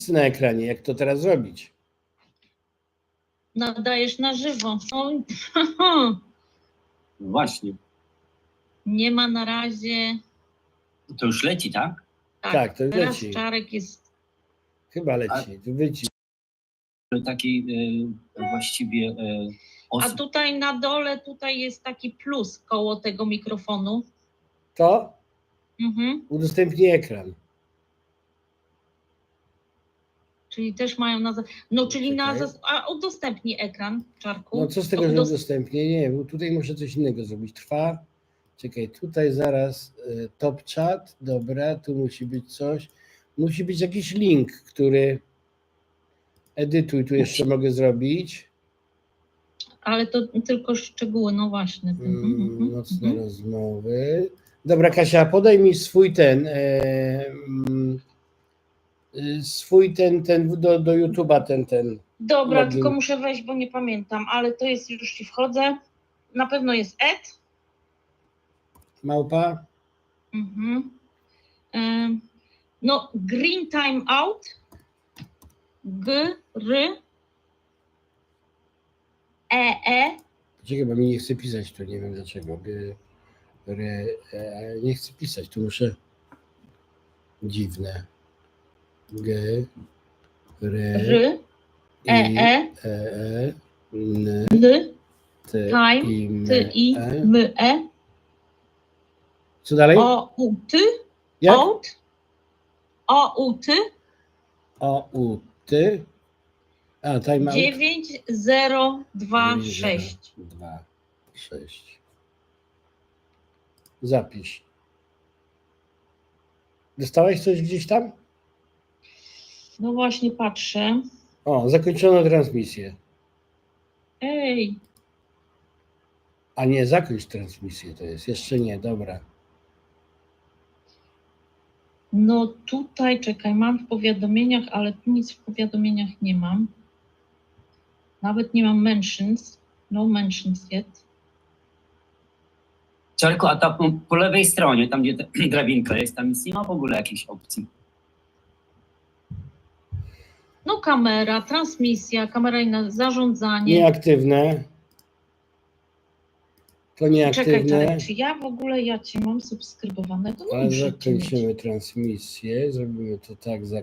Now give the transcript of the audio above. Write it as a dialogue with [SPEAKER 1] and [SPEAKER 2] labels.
[SPEAKER 1] na ekranie. Jak to teraz zrobić?
[SPEAKER 2] Nadajesz na żywo.
[SPEAKER 3] Właśnie.
[SPEAKER 2] Nie ma na razie.
[SPEAKER 3] To już leci, tak?
[SPEAKER 1] Tak, to już
[SPEAKER 2] teraz
[SPEAKER 1] leci.
[SPEAKER 2] Czarek jest.
[SPEAKER 1] Chyba leci. Tu wyci.
[SPEAKER 3] Takiej właściwie
[SPEAKER 2] A
[SPEAKER 3] osób.
[SPEAKER 2] tutaj na dole tutaj jest taki plus koło tego mikrofonu.
[SPEAKER 1] To
[SPEAKER 2] Mhm.
[SPEAKER 1] udostępnij ekran.
[SPEAKER 2] Czyli też mają na. No, czyli na.
[SPEAKER 1] Czekaj.
[SPEAKER 2] A udostępnij ekran, Czarku.
[SPEAKER 1] No co z tego, że udostępnię? Nie, bo tutaj muszę coś innego zrobić. Trwa. Czekaj, tutaj zaraz top chat. Dobra, tu musi być coś. Musi być jakiś link, który edytuj. Tu jeszcze mogę zrobić.
[SPEAKER 2] Ale to tylko szczegóły, no właśnie.
[SPEAKER 1] Nocne rozmowy. Dobra, Kasia, podaj mi swój ten. Swój ten do YouTube'a ten.
[SPEAKER 2] Dobra,
[SPEAKER 1] login.
[SPEAKER 2] tylko muszę wejść, bo nie pamiętam, ale to jest, już ci wchodzę. Na pewno jest Ed.
[SPEAKER 1] Małpa?
[SPEAKER 2] No, Green Time Out.
[SPEAKER 1] Czekaj, bo mi nie chce pisać tu, nie wiem dlaczego. Nie chcę pisać, tu muszę. Dziwne. N,
[SPEAKER 2] Time,
[SPEAKER 1] Co dalej? Jak? A, time out.
[SPEAKER 2] 9026.
[SPEAKER 1] 2,6. Zapisz. Dostałeś coś gdzieś tam?
[SPEAKER 2] No właśnie patrzę.
[SPEAKER 1] O, zakończono transmisję.
[SPEAKER 2] Ej,
[SPEAKER 1] A nie, zakończ transmisję to jest. Jeszcze nie, dobra.
[SPEAKER 2] no tutaj, czekaj, mam w powiadomieniach, ale tu nic w powiadomieniach nie mam. Nawet nie mam mentions. No mentions yet.
[SPEAKER 3] Czarku, a tam po lewej stronie, tam gdzie ta drabinka jest, tam nic nie ma w ogóle jakiejś opcji.
[SPEAKER 2] No kamera, transmisja, kamera inna, zarządzanie.
[SPEAKER 1] Nieaktywne. To nieaktywne.
[SPEAKER 2] Czekaj, Czarek, czy ja w ogóle, ja cię mam subskrybowane, to
[SPEAKER 1] Ale
[SPEAKER 2] muszę cię mieć.
[SPEAKER 1] zakończymy transmisję. Zrobimy to tak.